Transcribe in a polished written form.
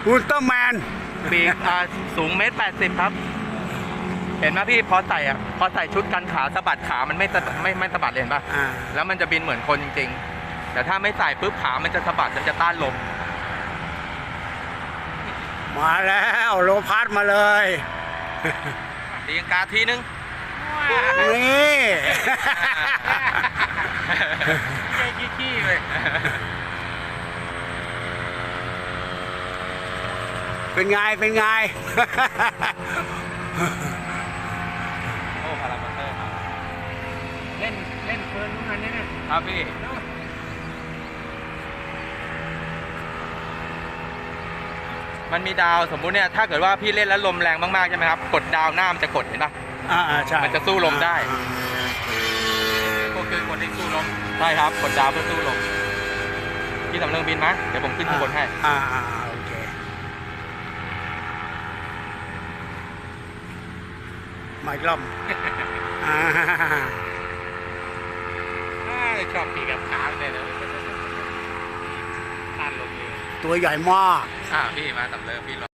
อุลตร้าแมนปีกสูง1.80 ครับ เห็นไหมพี่พอใส่ชุดกันขาสะบัดขามันไม่สะบัดเลยเห็นปะแล้วมันจะบินเหมือนคนจริงๆแต่ถ้าไม่ใส่ปุ๊บขามันจะสะบัดมันจะต้านลมมาแล้วโลพัสมาเลยตีลังกาทีนึงนี่ขี้เลยเป็นไงเป็นไงโอ้พารามอเตอร์ครับเล่นเฟิร์นทุกอันนี้นะครับพี่มันมีดาวสมมุติเนี่ยถ้าเกิดว่าพี่เล่นแล้วลมแรงมากๆใช่ไหมครับกดดาวหน้ามันจะกดเห็นปะใช่มันจะสู้ลมได้ก็คือกดให้สู้ลมใช่ครับกดดาวเพื่อสู้ลมพี่สำเริงบินมั้ยเดี๋ยวผมขึ้นข้างบนให้โอเคมาอีกรอบชอบปีกับขาเลยนะต้านลมเลยตัวใหญ่มากพี่มาสำเริงพี่